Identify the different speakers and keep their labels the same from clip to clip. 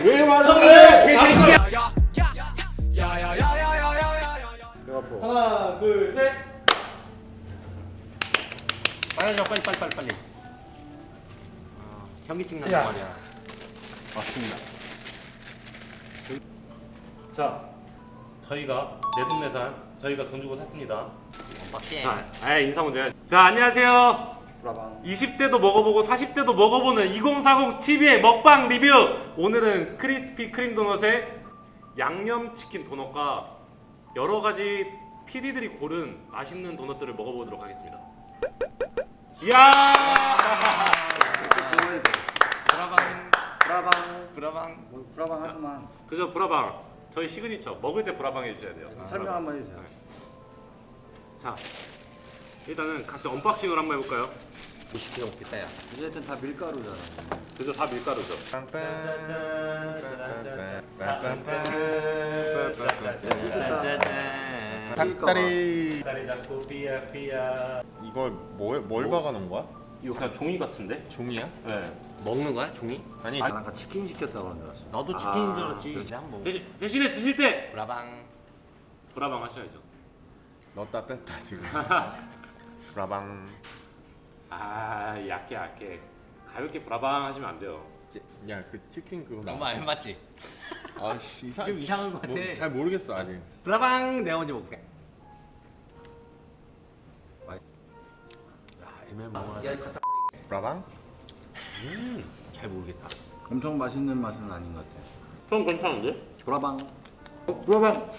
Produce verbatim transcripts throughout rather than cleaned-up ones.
Speaker 1: 왜 화를 내?
Speaker 2: 하나, 둘, 셋.
Speaker 3: 빨리 줘, 빨리 빨리 빨리 빨리. 아, 현기증 나는
Speaker 2: 야.
Speaker 3: 말이야. 맞습니다.
Speaker 4: 자, 저희가 내돈내산 저희가 돈 주고 샀습니다.
Speaker 3: 언박싱.
Speaker 4: 자, 아, 인사 먼저 해야지. 자, 안녕하세요. 이십 대도 먹어보고 사십 대도 먹어보는 이공사공 티비의 먹방 리뷰. 오늘은 크리스피 크림 도넛의 양념치킨 도넛과 여러 가지 피디들이 고른 맛있는 도넛들을 먹어보도록 하겠습니다. 이야!
Speaker 3: 브라방
Speaker 1: 브라방
Speaker 3: 브라방.
Speaker 1: 뭐 브라방 하더만.
Speaker 4: 그죠, 브라방. 저희 시그니처. 먹을 때 브라방 해주셔야 돼요.
Speaker 1: 설명 한번 해주세요.
Speaker 4: 네. 자, 일단은 같이 언박싱을 한번 해볼까요?
Speaker 3: 오십 개 먹겠다 야.
Speaker 1: 어쨌든 다 밀가루잖아.
Speaker 4: 그죠, 다 밀가루죠.
Speaker 1: 닭다리.
Speaker 4: 다리 잡고 삐야 삐야.
Speaker 1: 이걸 뭘, 뭘 박아놓은 거야?
Speaker 4: 이거 그냥 종이 같은데?
Speaker 1: 종이야?
Speaker 4: 네.
Speaker 3: 먹는 거야 종이?
Speaker 1: 아니 난 아까 치킨 시켰다고 그런 줄 알았어.
Speaker 3: 나도 치킨인 줄 알았지. 이제 한번.
Speaker 4: 대신, 대신에 드실 때
Speaker 3: 브라방.
Speaker 4: 브라방 하셔야죠.
Speaker 1: 넣었다 뺐다 지금. 브라방.
Speaker 4: 아, 약해 약해. 가볍게 브라방 하시면 안 돼요.
Speaker 1: 야 그 치킨 그거
Speaker 3: 너무 안 맞지?
Speaker 1: 아씨 이상.
Speaker 3: 좀 이상한 거 같아.
Speaker 1: 뭐, 잘 모르겠어 아직.
Speaker 3: 브라방 내가 먼저 먹게. 야 애매모호하다.
Speaker 1: 브라방?
Speaker 4: 음,
Speaker 3: 잘 모르겠다.
Speaker 1: 엄청 맛있는 맛은 아닌 것 같아.
Speaker 4: 좀 괜찮은데?
Speaker 1: 브라방. 어, 브라방.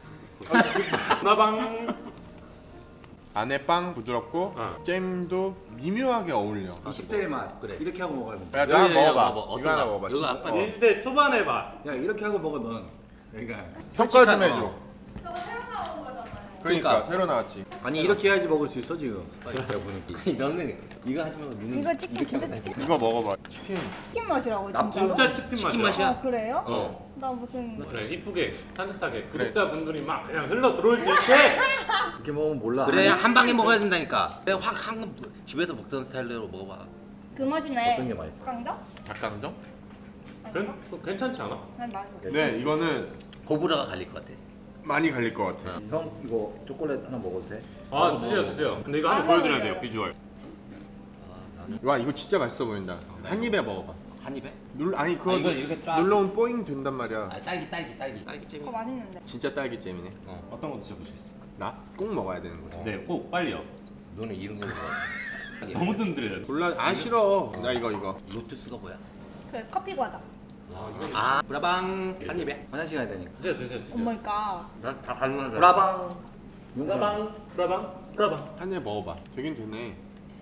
Speaker 4: 브라방.
Speaker 1: 안에 빵 부드럽고
Speaker 4: 어.
Speaker 1: 잼도 미묘하게 어울려.
Speaker 3: 이십 대의 맛.
Speaker 1: 그래. 이렇게 하고 먹어야 돼.
Speaker 3: 야,
Speaker 1: 야, 나
Speaker 3: 여기, 여기
Speaker 1: 먹어봐.
Speaker 3: 먹어봐.
Speaker 1: 이거 하나
Speaker 3: 어떤가?
Speaker 1: 먹어봐.
Speaker 3: 이거
Speaker 1: 진짜.
Speaker 3: 아까
Speaker 1: 어.
Speaker 4: 이십 대 초반의 맛.
Speaker 1: 야 이렇게 하고 먹어 넌. 그러니까.
Speaker 3: 솔직한-
Speaker 1: 평가 좀 해줘.
Speaker 3: 어.
Speaker 5: 저거 새로 나온 거잖아요.
Speaker 1: 그러니까,
Speaker 3: 그러니까.
Speaker 1: 새로 나왔지. 아니 이렇게 해야지 먹을 수 있어 지금. 내가 보니까.
Speaker 3: 아니 너는 이거 하지 말고 니는
Speaker 5: 이거 치킨
Speaker 3: 이렇게
Speaker 5: 진짜
Speaker 3: 하면 돼.
Speaker 1: 이거 먹어봐. 치킨.
Speaker 5: 치킨 맛이라고
Speaker 3: 나
Speaker 5: 진짜로?
Speaker 4: 진짜 치킨,
Speaker 3: 치킨
Speaker 4: 맛이야.
Speaker 3: 맛이야?
Speaker 5: 아 그래요?
Speaker 4: 어.
Speaker 5: 나 무슨
Speaker 4: 그래, 이쁘게 산뜻하게
Speaker 1: 그래.
Speaker 4: 구독자분들이 막 그냥 흘러 들어올 수 있게.
Speaker 1: 이렇게 먹으면 몰라.
Speaker 3: 그래 한 방에 먹어야 된다니까. 그래 확한 집에서 먹던 스타일대로 먹어봐.
Speaker 5: 그 맛이네.
Speaker 1: 어떤 게 맛있어?
Speaker 5: 깡다?
Speaker 1: 닭강정?
Speaker 4: 괜, 괜찮지 않아?
Speaker 5: 난 맛있어.
Speaker 1: 네 이거는
Speaker 3: 호불호가 갈릴 것 같아.
Speaker 1: 많이 갈릴 것 같아.
Speaker 6: 형 이거 초콜릿 하나 먹어도 돼?
Speaker 4: 아, 드세요 드세요. 근데 이거 한번
Speaker 5: 안
Speaker 4: 보여드려야
Speaker 5: 먹어요.
Speaker 4: 돼요, 비주얼.
Speaker 3: 아, 나는
Speaker 1: 와 이거 진짜 맛있어 보인다. 한 입에 먹어봐.
Speaker 3: 한 입에?
Speaker 1: 눌 아니 그거
Speaker 3: 아, 이걸 이렇게 쫙-
Speaker 1: 눌러면 뽀잉 된단 말이야.
Speaker 3: 아 딸기 딸기 딸기 딸기 잼이.
Speaker 5: 그거 맛있는데.
Speaker 1: 진짜 딸기잼이네.
Speaker 3: 어.
Speaker 4: 어떤 거 드셔보시겠어요?
Speaker 1: 나 꼭 먹어야 되는 거지.
Speaker 4: 네, 꼭 빨리요.
Speaker 3: 너는 이런 거 먹어.
Speaker 4: 너무 든든해요.
Speaker 1: 몰라 아 싫어. 나 이거 이거.
Speaker 3: 로투스가 뭐야?
Speaker 5: 그 커피 과자.
Speaker 3: 아 브라방 한 입에.
Speaker 6: 화장실 가야 되니까.
Speaker 4: 드세요 드세요 드세요.
Speaker 5: 어머니까.
Speaker 3: 난다 가능한 줄.
Speaker 6: 브라방.
Speaker 4: 브라방 브라방 브라방.
Speaker 1: 한 입 먹어봐. 되긴 되네.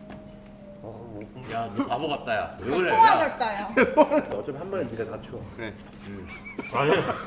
Speaker 3: 야너 바보 같다 야. 왜 그래?
Speaker 5: 통화
Speaker 3: 야.
Speaker 5: 같다요.
Speaker 6: 어차피 한 번에 니가 다 쳐.
Speaker 1: 그래.
Speaker 4: 아니.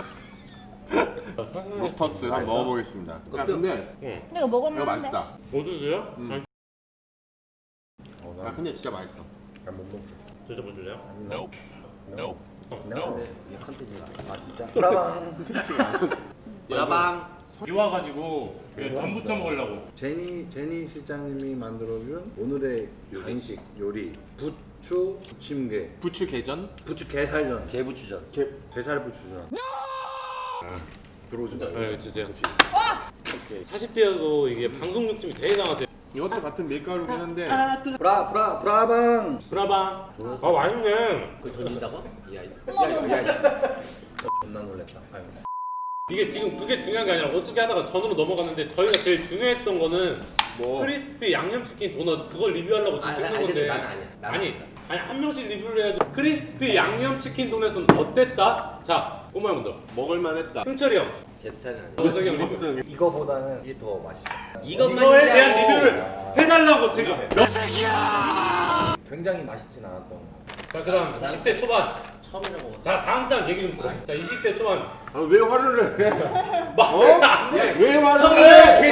Speaker 1: 로터스 한번 먹어보겠습니다. 야 근데
Speaker 4: 응.
Speaker 5: 근데 이거 먹을만
Speaker 1: 이거
Speaker 5: 한데.
Speaker 1: 맛있다.
Speaker 4: 뭐 드세요?
Speaker 1: 음.
Speaker 4: 아니,
Speaker 6: 어,
Speaker 1: 야 근데 진짜 맛있어.
Speaker 6: 난못 먹어.
Speaker 4: 드셔보실래요?
Speaker 6: No. No.
Speaker 4: 어.
Speaker 6: 내가 근데 이게 컨텐츠가 아 진짜. 브라방.
Speaker 3: 브라방.
Speaker 4: 비 와가지고 안 부쳐 먹으려고.
Speaker 6: 제니 제니 실장님이 만들어준 오늘의 간식 요리 부추 부침개
Speaker 1: 부추 게전?
Speaker 6: 부추 게살전
Speaker 3: 개부추전.
Speaker 6: 게 게살 부추전. 들어오지 마.
Speaker 4: 네, 드세요. 사십 대여도 이게 방송 욕심이 되게 강하세요.
Speaker 1: 이것도 같은 밀가루긴 한데
Speaker 6: 브라 브라 브라방.
Speaker 4: 브라방. 아, 맛있네.
Speaker 3: 그 던진다고?
Speaker 6: 야, 이-
Speaker 5: 어머,
Speaker 6: 야,
Speaker 5: 어머.
Speaker 6: 야, 야, 씨. 존나 놀랬다. 아유.
Speaker 4: 이게 지금 그게 중요한 게 아니라 어떻게 하다가 전으로 넘어갔는데 저희가 제일 중요했던 거는
Speaker 1: 뭐
Speaker 4: 크리스피 양념치킨 도넛 그걸 리뷰하려고 지금
Speaker 3: 아,
Speaker 4: 찍은
Speaker 3: 아니,
Speaker 4: 건데.
Speaker 3: 나는 아니야. 나는
Speaker 4: 아니,
Speaker 3: 아니다.
Speaker 4: 아니 한 명씩 리뷰를 해야죠. 크리스피 양념치킨 도넛은 어땠다? 자, 꼬마 형도.
Speaker 1: 먹을만 했다.
Speaker 4: 흥철이 형,
Speaker 3: 제 스타일은 아니야.
Speaker 4: 너석이 형 리뷰.
Speaker 6: 이거보다는 이게 더 맛있어.
Speaker 3: 이것만
Speaker 4: 이거에
Speaker 3: 진짜-
Speaker 4: 대한 리뷰를 해달라고 지금.
Speaker 6: 굉장히 맛있진 않았던 거.
Speaker 4: 자, 그다음 이십 대 초반.
Speaker 3: 처음에는 먹었어.
Speaker 4: 자, 다음 사람 얘기 좀 들어. 자, 이십 대 초반.
Speaker 1: 아, 왜 화를 내?
Speaker 4: 막
Speaker 1: 어?
Speaker 4: 안 돼.
Speaker 1: 왜 화를 내?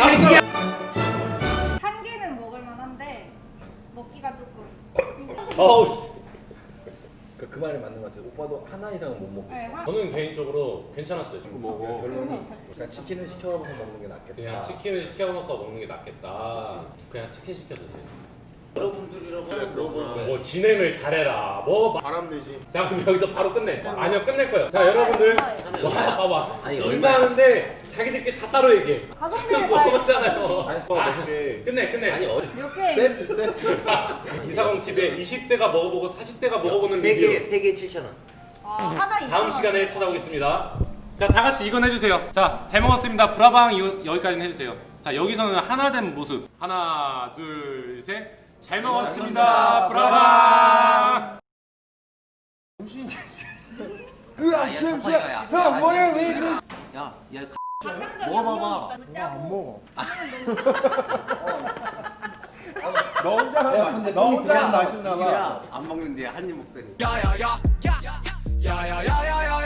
Speaker 5: 한 개는 먹을만 한데 먹기가 조금.
Speaker 4: 어우.
Speaker 6: 그, 그 말이 맞는 것 같아. 오빠도 하나 이상은 못 먹겠어.
Speaker 5: 네, 한.
Speaker 4: 저는 개인적으로 괜찮았어요.
Speaker 1: 이거 먹어.
Speaker 6: 결론이 그냥 치킨을 시켜서 먹는 게 낫겠다.
Speaker 4: 그냥 치킨을 시켜 먹어서 먹는 게 낫겠다. 그냥 치킨 시켜 드세요.
Speaker 3: 여러분들이라고 물어보는
Speaker 4: 뭐 진행을 잘해라. 뭐
Speaker 6: 바람 되지.
Speaker 4: 자 그럼 여기서 바로 끝내. 아니요 끝낼 거예요. 자 여러분들
Speaker 5: 얼마예요?
Speaker 4: 와 봐봐.
Speaker 3: 아니,
Speaker 4: 인사하는데 자기들끼리 다 따로 얘기해.
Speaker 5: 가성비를
Speaker 4: 먹었잖아요.
Speaker 6: 어,
Speaker 4: 아,
Speaker 6: 몇 개.
Speaker 4: 끝내 끝내.
Speaker 3: 아니 어리
Speaker 5: 몇 개?
Speaker 6: 세트 세트.
Speaker 4: 이사공 티비에 이십 대가 먹어보고 사십 대가 먹어보는
Speaker 3: 세 개,
Speaker 4: 리뷰
Speaker 3: 세 개 칠천 원.
Speaker 5: 아, 하나 이천
Speaker 4: 다음
Speaker 5: 원.
Speaker 4: 시간에 찾아오겠습니다. 자 다 같이 이건 해주세요. 자 잘 먹었습니다. 브라방 이- 여기까지는 해주세요. 자 여기서는 하나 된 모습. 하나 둘 셋. 잘 먹었습니다. 브라방.
Speaker 3: 으아, 수염 수염. 형, 뭐야 왜 그래? 야, 야, 먹어봐봐.
Speaker 5: 안 먹어.
Speaker 6: 너 혼자 하면 너 혼자 하면 맛있나 봐.
Speaker 3: 안 먹는데 한 입 먹더니.
Speaker 2: 야야야 야야야야야야